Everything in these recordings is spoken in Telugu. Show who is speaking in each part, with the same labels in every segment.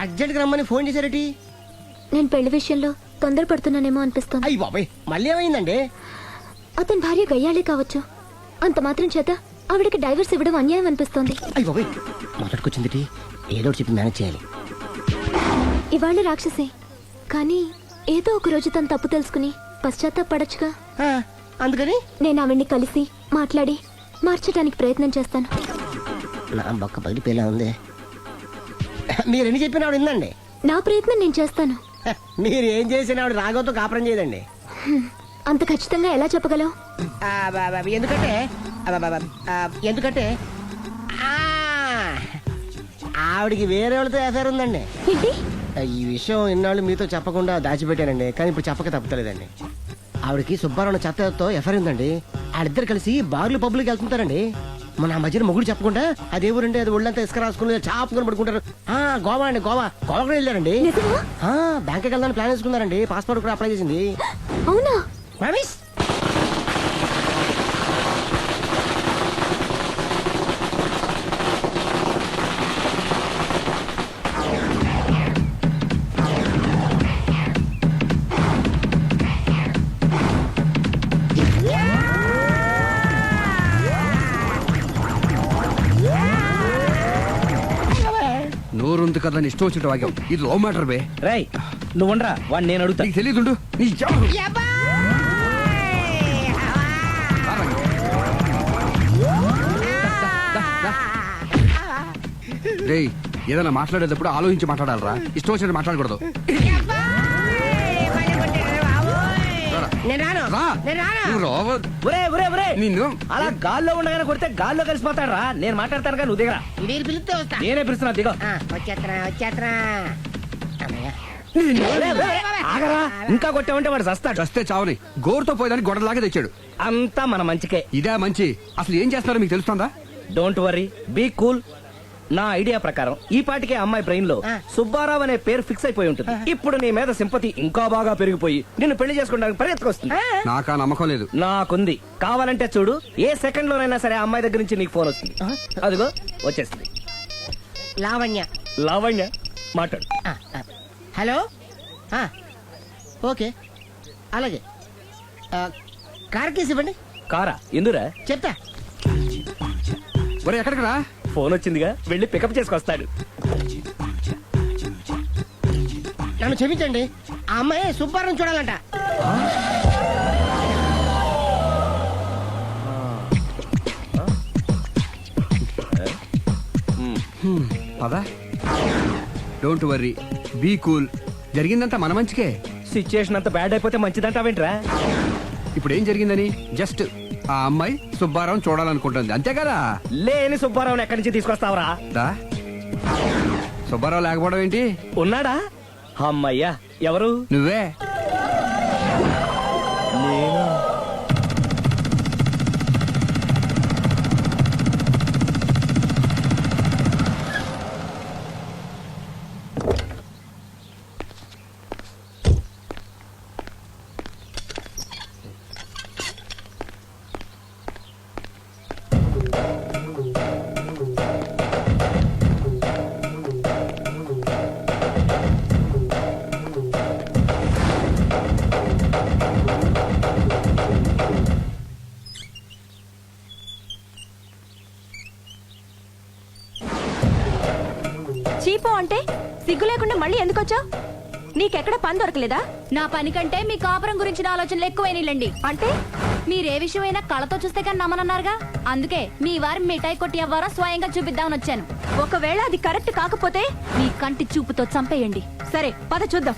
Speaker 1: అర్జెంట్ గా రమ్మని ఫోన్ చేశారటి?
Speaker 2: నేను పెళ్లి విషయంలో తొందరపడుతున్నానేమో అనిపిస్తుంది.
Speaker 1: అయ్యి బాబాయ్, మళ్ళీ ఏమైందండి?
Speaker 2: అతని భార్య గయ్యాళే కావచ్చు, అంత మాత్రం చేత ఆవిడకి డైవర్స్ ఇవ్వడం అన్యాయం అనిపిస్తోంది.
Speaker 1: అయ్యి బాబాయ్, మొదటికొచ్చింది, ఏదో ఒకటి చెప్పి మేనేజ్ చేయాలి.
Speaker 2: ఇవాళ రాక్షసే, కానీ ఏదో ఒక రోజు తను తప్పు తెలుసుకుని పశ్చాత్తాపడొచ్చుగా.
Speaker 1: అందుకని
Speaker 2: నేను ఆవిడ్ని కలిసి మాట్లాడి మార్చడానికి ప్రయత్నం చేస్తాను.
Speaker 1: నా బొక్క పగిలిపోయేలా ఉంది. మీరు ఎన్ని చెప్పిన ఆవిడ ఉందండి.
Speaker 2: నా ప్రయత్నం నేను చేస్తాను.
Speaker 1: మీరు ఏం చేసిన ఆవిడ రాగోతో కాపురం చేయదండి.
Speaker 2: అంత ఖచ్చితంగా ఎలా చెప్పగలవు?
Speaker 1: ఎందుకంటే ఎందుకంటే ఆవిడికి వేరే వాళ్ళతో ఎఫైర్ ఉందండి.
Speaker 2: ఏంటి?
Speaker 1: ఈ విషయం ఇన్నాళ్ళు మీతో చెప్పకుండా దాచిపెట్టానండి, కానీ ఇప్పుడు చెప్పక తప్పలేదండి. ఆవిడకి సుబ్బారావు చెత్తతో ఎఫైర్ ఉందండి. వాళ్ళిద్దరు కలిసి బార్లు పబ్లిక్ వెళ్తుంటారండి. మన ఆ మధ్యన మొగుడు చెప్పకుండా అదే ఊరండి, అది ఒళ్ళంతా ఇసుక రాసుకుని చాపుకొని పడుకుంటారు. గోవా అండి, గోవా కూడా వెళ్ళారండి. బ్యాంక్కి వెళ్దాని ప్లాన్ వేసుకున్నారండి. పాస్పోర్ట్ కూడా అప్లై చేసింది.
Speaker 2: అవునా?
Speaker 3: నోరుంది కదా ఇష్టం వచ్చినట్టు వాగావు. ఇది లవ్ మ్యాటర్ బే.
Speaker 4: రై నువ్వుండ్రా, వాడిని నేను అడుగుతా.
Speaker 3: నీకు తెలియదుండు. రేయ్, ఏదైనా మాట్లాడేటప్పుడు ఆలోచించి మాట్లాడాలరా, ఇష్టం వచ్చినట్టు మాట్లాడకూడదు. నిన్ను
Speaker 4: అలా గాల్లో ఉండగానే కొడితే గాల్లో కలిసిపోతాడు రా. నేను మాట్లాడతాను కానీ నువ్వు దిగరా. నేనే పిలుస్తున్నా, దిగో. ఆగరా, ఇంకా కొట్టామంటే వాడు చస్తాడు.
Speaker 3: చస్తే చావని గోరుతో పోయేదానికి గొడవలాగా తెచ్చాడు.
Speaker 4: అంతా మన మంచికే.
Speaker 3: ఇదే మంచి. అసలు ఏం చేస్తారో మీకు తెలుస్తుందా?
Speaker 4: Don't worry, be cool. నా ఐడియా ప్రకారం ఈ పాటికే అమ్మాయి బ్రెయిన్ లో సుబ్బారావు అనే పేరు ఫిక్స్ అయిపోయి ఉంటుంది. ఇప్పుడు నీ మీద సింపతి ఇంకా బాగా పెరిగిపోయి నిన్ను పెళ్లి చేసుకోవడానికి పరిగెత్తుకొస్తుంది.
Speaker 3: నాకా నమ్మకం లేదు.
Speaker 4: నాకుంది. కావాలంటే చూడు, ఏ సెకండ్ లోనైనా సరే అమ్మాయి దగ్గర నుంచి నీకు ఫోన్ వస్తుంది. అదిగో వచ్చేస్తుంది.
Speaker 1: లావణ్య.
Speaker 4: లావణ్య మాట్లాడు.
Speaker 1: హలో. ఓకే, అలాగే. కార్ కేసు ఇవ్వండి.
Speaker 4: కారా? ఎందురా?
Speaker 1: చెప్తా.
Speaker 3: ఒరే, ఎక్కడికి రా?
Speaker 4: ఫోన్ వచ్చిందిగా, వెళ్ళి పికప్ చేసుకొస్తాడు.
Speaker 1: నన్ను క్షమించండి, ఆ అమ్మాయి సుబ్బారావు చూడాలంట.
Speaker 3: పదా. Don't worry, be cool. జరిగిందంతా మన మంచికే.
Speaker 4: సిచ్యుయేషన్ అంతా బ్యాడ్ అయిపోతే మంచిదంటావేంట్రా?
Speaker 3: ఇప్పుడు ఏం జరిగిందని జస్ట్ ఆ అమ్మాయి సుబ్బారావు చూడాలనుకుంటుంది, అంతే కదా.
Speaker 4: లేని సుబ్బారావుని ఎక్కడి నుంచి తీసుకొస్తావరా?
Speaker 3: సుబ్బారావు లేకపోవడం ఏంటి?
Speaker 4: ఉన్నాడా? అమ్మయ్యా. ఎవరు?
Speaker 3: నువ్వే.
Speaker 2: చీపో అంటే సిగ్గు లేకుండా మళ్ళీ ఎందుకు వచ్చావు? నీకెక్కడ పని దొరకలేదా?
Speaker 5: నా పని కంటే మీ కాపురం గురించిన ఆలోచనలు ఎక్కువైనాయిలండి.
Speaker 2: అంటే
Speaker 5: మీరే విషయమైనా కళ్ళతో చూస్తే కానీ నమ్మనన్నారుగా, అందుకే మీ వారి మిఠాయి కొట్టి అవ్వారా స్వయంగా చూపిద్దామని వచ్చాను.
Speaker 2: ఒకవేళ అది కరెక్ట్ కాకపోతే
Speaker 5: మీ కంటి చూపుతో చంపేయండి.
Speaker 2: సరే, పద చూద్దాం.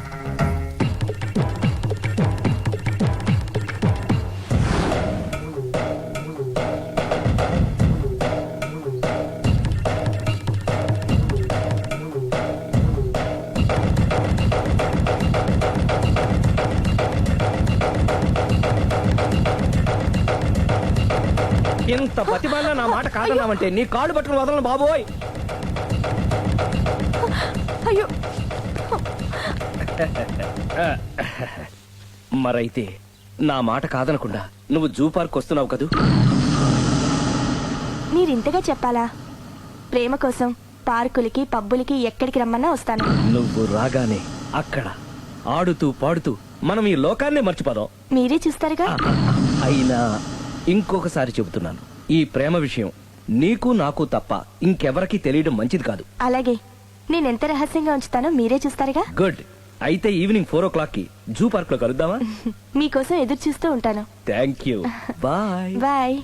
Speaker 4: ఇంత ప్రతిభలో నా మాట కాదన్నావంటే నీ కాళ్ళు పట్టుకుని వదలను బాబోయ్.
Speaker 2: అయ్యో.
Speaker 4: మరైతే నా మాట కాదనకుండా నువ్వు జూ పార్క్ వస్తున్నావు కదూ?
Speaker 2: మీరింతగా చెప్పాలా? ప్రేమ కోసం
Speaker 6: పార్కులకి పబ్బులకి ఎక్కడికి రమ్మన్నా వస్తాను.
Speaker 4: నువ్వు రాగానే అక్కడ ఆడుతూ పాడుతూ మనం ఈ లోకాన్నే మర్చిపోదాం.
Speaker 6: మీరే చూస్తారుగా.
Speaker 4: అయినా ఇంకొకసారి చెబుతున్నాను, ఈ ప్రేమ విషయం నీకు నాకు తప్ప ఇంకెవరికి తెలియడం మంచిది కాదు.
Speaker 6: అలాగే, నేనెంత రహస్యంగా ఉంచుతానో మీరే చూస్తారుగా.
Speaker 4: గుడ్. అయితే ఈవినింగ్ 4 o'clock కి జూ పార్క్ లో కలుద్దామా?
Speaker 6: మీకోసం ఎదురు చూస్తూ ఉంటాను.
Speaker 4: Thank you. Bye.
Speaker 6: Bye.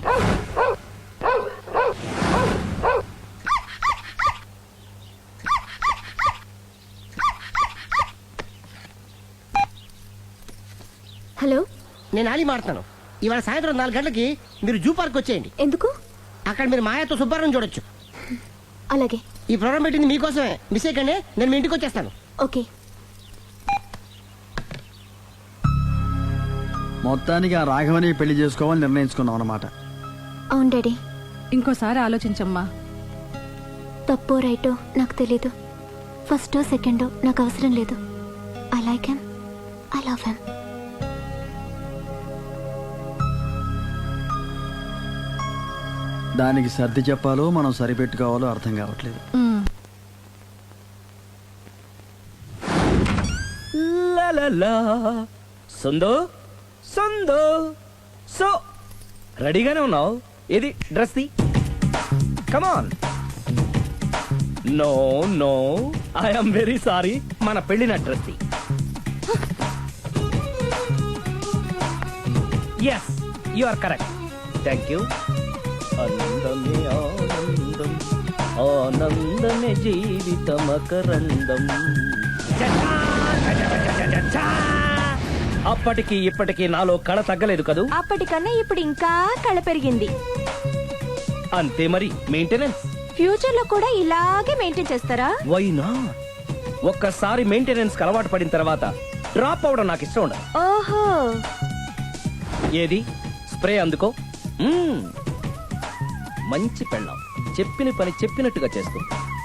Speaker 2: Hello,
Speaker 1: నేను ఆలి మాడుతాను. ఇవాళ సాయంత్రం 4 గంటలకి మీరు జూ పార్క్ వచ్చేయండి.
Speaker 2: ఎందుకు?
Speaker 1: అక్కడ మీరు మాయాతో సుబ్బారావు చూడొచ్చు.
Speaker 2: అలాగే.
Speaker 1: ఈ ప్రోగ్రామ్ పెట్టింది మీకోసమే. మిస్ అయ్యకండి, నేను మీ ఇంటికి వచ్చేస్తాను.
Speaker 2: ఓకే.
Speaker 7: మొత్తానికి ఆ రాఘవని పెళ్లి చేసుకోవాలని నిర్ణయించుకున్నాం అన్నమాట.
Speaker 2: అవును డాడీ.
Speaker 8: ఇంకోసారి ఆలోచించమ్మా.
Speaker 2: తప్పో రైటో నాకు తెలీదు. ఫస్టో సెకండో నాకు అవసరం లేదు. I like him, I love him.
Speaker 7: దానికి సర్ది చెప్పాలో మనం సరిపెట్టుకోవాలో అర్థం కావట్లేదు.
Speaker 4: లలలా. సందో సందో సో రెడీగానే ఉన్నావు? ఇది డ్రెస్ ది. Come on. No no, I'm very sorry. మన పెళ్లిన డ్రెస్ ది. Yes, you are correct. Thank you. అందమే ఆనందం, ఆనందమే జీవితమకరందం. అప్పటికి ఇప్పటికి నాలో కళ తగ్గలేదు కదూ.
Speaker 6: అప్పటికన్నా ఇప్పుడు ఇంకా కళ పెరిగింది.
Speaker 4: అంతే మరి, మెయింటెనెన్స్.
Speaker 6: ఫ్యూచర్ లో కూడా ఇలాగే మెయింటైన్ చేస్తారా?
Speaker 4: Why not? ఒక్కసారి మెయింటెనెన్స్ అలవాటు పడిన తర్వాత డ్రాప్ అవడం నాకు ఇష్టం ఉండదు.
Speaker 6: ఓహో.
Speaker 4: ఏది స్ప్రే అందుకో. మంచి పెళ్ళాం, చెప్పిన పని చెప్పినట్టుగా చేస్తుంది.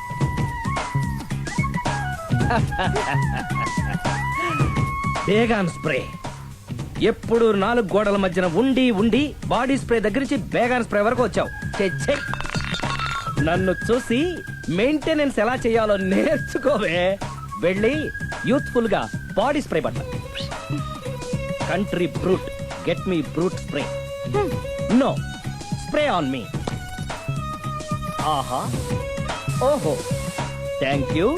Speaker 4: Baygon spray. ఎప్పుడు 4 గోడల మధ్యన ఉండి ఉండి బాడీ స్ప్రే దగ్గర నుంచి బేగాన్ స్ప్రే వరకు వచ్చావు. ఛే, నన్ను చూసి మెయింటెనెన్స్ ఎలా చేయాలో నేర్చుకోవే. వెళ్ళి యూత్ఫుల్ గా బాడీ స్ప్రే పట్ల. Country brut, get me brut spray. No, spray on me. ఆహా, ఓహో, థ్యాంక్ యూ.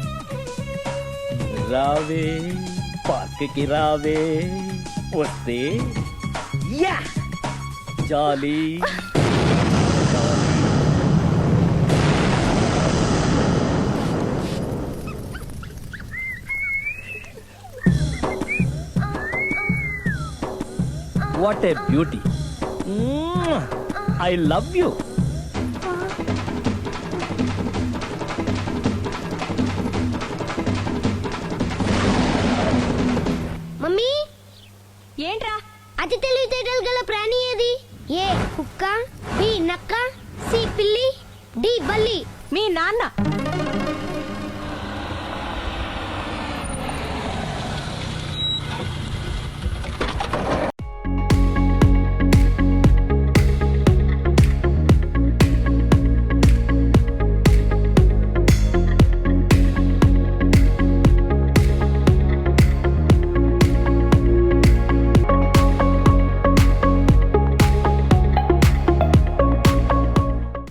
Speaker 4: రావే పార్క్ కి రావే, వస్తే యా jolly. What a beauty. I love you.
Speaker 9: Mummy,
Speaker 6: ఏంట్రా?
Speaker 9: అతి తెలివితేటలు గల ప్రాణి ఏది? ఏ కుక్క, బి నక్క, సి పిల్లి, డి బల్లి.
Speaker 6: మీ నాన్న.